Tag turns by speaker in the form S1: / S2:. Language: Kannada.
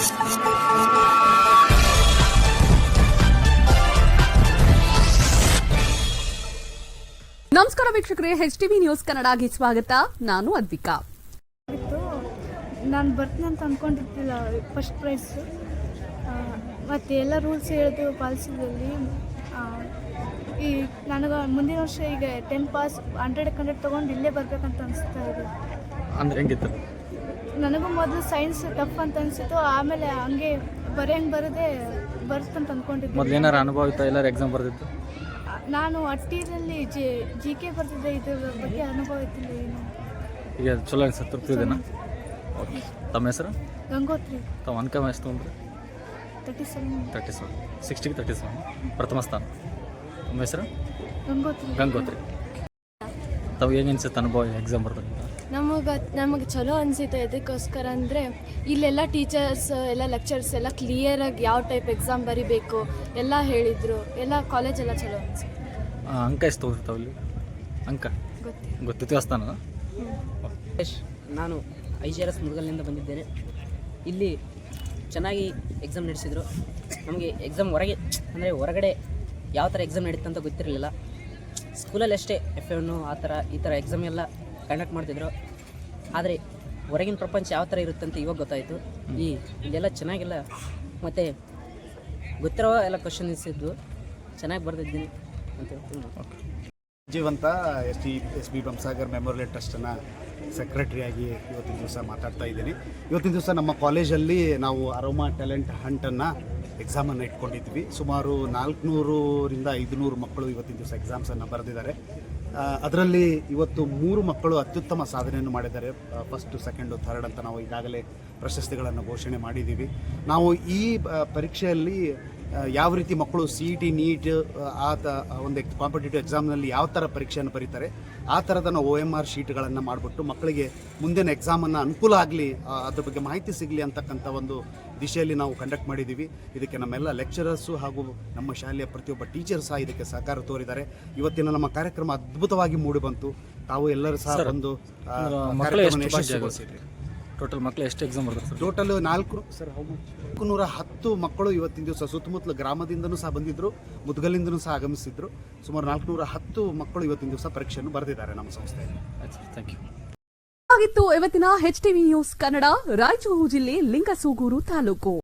S1: ನಮಸ್ಕಾರ ವೀಕ್ಷಕರೇ, HTV ನ್ಯೂಸ್ ಕನ್ನಡಗೆ ಸ್ವಾಗತ. ನಾನು ಅದ್ವಿಕಾ.
S2: ನಾನು ಬರ್ತೀನಿ ಅಂತ ಅಂದ್ಕೊಂಡಿರ್ತಿಲ್ಲ. ಫಸ್ಟ್ ಪ್ರೈಸ್ ಮತ್ತು ಎಲ್ಲ ರೂಲ್ಸ್ ಹೇಳಿದು ಪಾಲಿಸಿದಲ್ಲಿ ಈ ನನಗೆ ಮುಂದಿನ ವರ್ಷ ಈಗ 10 ಪಾಸ್ 100 ತೊಗೊಂಡು ಇಲ್ಲೇ ಬರಬೇಕಂತ ಅನಿಸ್ತಾ ಇದೆ.
S3: ಅಂದ್ರೆ ಹೆಂಗಿತ್ತು?
S2: ನನಗೂ ಮೊದಲು ಸೈನ್ಸ್ ಟಫ್ ಅಂತ ಅನಿಸಿತ್ತು, ಆಮೇಲೆ ಹಂಗೆ ಬರೋದೇ ಬರುತ್ತಂತ ಅಂದ್ಕೊಂಡಿದ್ದೆ.
S3: ಮೊದಲು ಏನಾರು ಅನುಭವ ಇತ್ತು? ಎಲ್ಲರೂ ಎಕ್ಸಾಮ್ ಬರ್ದಿತ್ತು?
S2: ನಾನು ಅಟ್ಟಿರಲ್ಲಿ GK ಬರ್ತಿದ್ದೆ. ಇದ್ರ ಬಗ್ಗೆ ಅನುಭವ ಇತ್ತಿಲ್ಲ ಏನು.
S3: ಈಗ ಚಲೋ ಅನ್ಸುತ್ತೆ, ತೃಪ್ತಿ ಇದೆನಾ? ಓಕೆ. ತಮ್ಮ ಹೆಸರು?
S2: ಗಂಗೋತ್ರಿ.
S3: ತಾವು ಅಂಕ ಎಷ್ಟು ತೊಗೊಂಡ್ರಿ?
S2: 37.
S3: 60ಗೆ 37 ಪ್ರಥಮ ಸ್ಥಾನ. ತಮ್ಮ ಹೆಸರು? ಗಂಗೋತ್ರಿ. ತಾವು ಹೇಗೆ ಅನ್ಸುತ್ತೆ ಅನುಭವ ಎಕ್ಸಾಮ್ ಬರ್ದಾಗ?
S4: ನಮಗೆ ಚಲೋ ಅನಿಸಿತ್ತು. ಇದಕ್ಕೋಸ್ಕರ ಅಂದರೆ ಇಲ್ಲೆಲ್ಲ ಟೀಚರ್ಸ್ ಎಲ್ಲ ಲೆಕ್ಚರ್ಸ್ ಎಲ್ಲ ಕ್ಲಿಯರಾಗಿ ಯಾವ ಟೈಪ್ ಎಕ್ಸಾಮ್ ಬರಿಬೇಕು ಎಲ್ಲ ಹೇಳಿದರು. ಎಲ್ಲ ಕಾಲೇಜೆಲ್ಲ ಚಲೋ ಅನಿಸಿತ್ತು.
S3: ಅಂಕ ಎಷ್ಟು ತೊಗೊಂಡಿರ್ತಾವೆ ಇಲ್ಲಿ? ಅಂಕ ಗೊತ್ತಿತ್ತು ಸ್ಥಾನ.
S5: ನಾನು IGRS ಮುರುಗಲ್ನಿಂದ ಬಂದಿದ್ದೇನೆ. ಇಲ್ಲಿ ಚೆನ್ನಾಗಿ ಎಕ್ಸಾಮ್ ನಡೆಸಿದರು. ನಮಗೆ ಎಕ್ಸಾಮ್ ಹೊರಗಡೆ ಯಾವ ಥರ ಎಕ್ಸಾಮ್ ನಡೀತು ಅಂತ ಗೊತ್ತಿರಲಿಲ್ಲ. ಸ್ಕೂಲಲ್ಲಿ ಅಷ್ಟೇ F1 ಈ ಥರ ಎಕ್ಸಾಮ್ ಎಲ್ಲ ಕಂಡಕ್ಟ್ ಮಾಡ್ತಿದ್ರು. ಆದರೆ ಹೊರಗಿನ ಪ್ರಪಂಚ ಯಾವ ಥರ ಇರುತ್ತೆ ಅಂತ ಇವಾಗ ಗೊತ್ತಾಯಿತು. ಇಲ್ಲೆಲ್ಲ ಚೆನ್ನಾಗಿಲ್ಲ, ಮತ್ತು ಗೊತ್ತಿರೋ ಎಲ್ಲ ಕ್ವಶನ್ಸ್ ಇದ್ದು ಚೆನ್ನಾಗಿ ಬರ್ತಿದ್ದೀನಿ ಅಂತ ಹೇಳ್ತೀನಿ.
S6: ಜೀವಂತ SB ಬೊಮ್ಮಸಾಗರ್ ಮೆಮೋರಿಯಲ್ ಟ್ರಸ್ಟನ್ನು ಸೆಕ್ರೆಟರಿಯಾಗಿ ಇವತ್ತಿನ ದಿವಸ ಮಾತಾಡ್ತಾ ಇದ್ದೀನಿ. ಇವತ್ತಿನ ದಿವಸ ನಮ್ಮ ಕಾಲೇಜಲ್ಲಿ ನಾವು ಅರೋಮಾ ಟ್ಯಾಲೆಂಟ್ ಹಂಟನ್ನು ಎಕ್ಸಾಮನ್ನು ಇಟ್ಕೊಂಡಿದ್ವಿ. ಸುಮಾರು 400ರಿಂದ 500 ಮಕ್ಕಳು ಇವತ್ತಿನ ದಿವಸ ಎಕ್ಸಾಮ್ಸನ್ನು ಬರೆದಿದ್ದಾರೆ. ಅದರಲ್ಲಿ ಇವತ್ತು 3 ಮಕ್ಕಳು ಅತ್ಯುತ್ತಮ ಸಾಧನೆಯನ್ನು ಮಾಡಿದ್ದಾರೆ. ಫಸ್ಟು, ಸೆಕೆಂಡು, ಥರ್ಡ್ ಅಂತ ನಾವು ಈಗಾಗಲೇ ಪ್ರಶಸ್ತಿಗಳನ್ನು ಘೋಷಣೆ ಮಾಡಿದ್ದೀವಿ. ನಾವು ಈ ಪರೀಕ್ಷೆಯಲ್ಲಿ ಯಾವ ರೀತಿ ಮಕ್ಕಳು CET ನೀಟ್ ಒಂದು ಕಾಂಪಿಟೇಟಿವ್ ಎಕ್ಸಾಮ್ನಲ್ಲಿ ಯಾವ ಥರ ಪರೀಕ್ಷೆಯನ್ನು ಬರೀತಾರೆ ಆ ಥರದ ನಾವು OMR ಶೀಟ್ಗಳನ್ನು ಮಾಡಿಬಿಟ್ಟು ಮಕ್ಕಳಿಗೆ ಮುಂದಿನ ಎಕ್ಸಾಮನ್ನು ಅನುಕೂಲ ಆಗಲಿ, ಅದ್ರ ಬಗ್ಗೆ ಮಾಹಿತಿ ಸಿಗಲಿ ಅಂತಕ್ಕಂಥ ಒಂದು ದಿಶೆಯಲ್ಲಿ ನಾವು ಕಂಡಕ್ಟ್ ಮಾಡಿದ್ದೀವಿ. ಇದಕ್ಕೆ ನಮ್ಮೆಲ್ಲ ಲೆಕ್ಚರರ್ಸು ಹಾಗೂ ನಮ್ಮ ಶಾಲೆಯ ಪ್ರತಿಯೊಬ್ಬ ಟೀಚರ್ ಸಹ ಇದಕ್ಕೆ ಸಹಕಾರ ತೋರಿದ್ದಾರೆ. ಇವತ್ತಿನ ನಮ್ಮ ಕಾರ್ಯಕ್ರಮ ಅದ್ಭುತವಾಗಿ ಮೂಡಿಬಂತು. ತಾವು ಎಲ್ಲರೂ ಸಹ ಒಂದು
S3: ಟೋಟಲ್ ಮಕ್ಕಳು ಎಷ್ಟು ಎಕ್ಸಾಮ್ ಬರ್ತಾರೆ ಸರ್?
S6: ಟೋಟಲ್ 410 ಮಕ್ಕಳು ಇವತ್ತಿನ ದಿವಸ ಸುತ್ತಮುತ್ತಲ ಗ್ರಾಮದಿಂದನೂ ಸಹ ಬಂದಿದ್ದರು, ಮುದ್ಗಲಿಂದನೂ ಸಹ ಆಗಮಿಸಿದ್ರು. ಸುಮಾರು 410 ಮಕ್ಕಳು ಇವತ್ತಿನ ದಿವಸ ಪರೀಕ್ಷೆಯನ್ನು ಬರೆದಿದ್ದಾರೆ ನಮ್ಮ ಸಂಸ್ಥೆಯಲ್ಲಿ.
S3: Thank you.
S1: ಆಗಿತ್ತು ಇವತ್ತಿನ HTV ನ್ಯೂಸ್ ಕನ್ನಡ. ರಾಯಚೂರು ಜಿಲ್ಲೆ ಲಿಂಗಸೂಗೂರು ತಾಲೂಕು.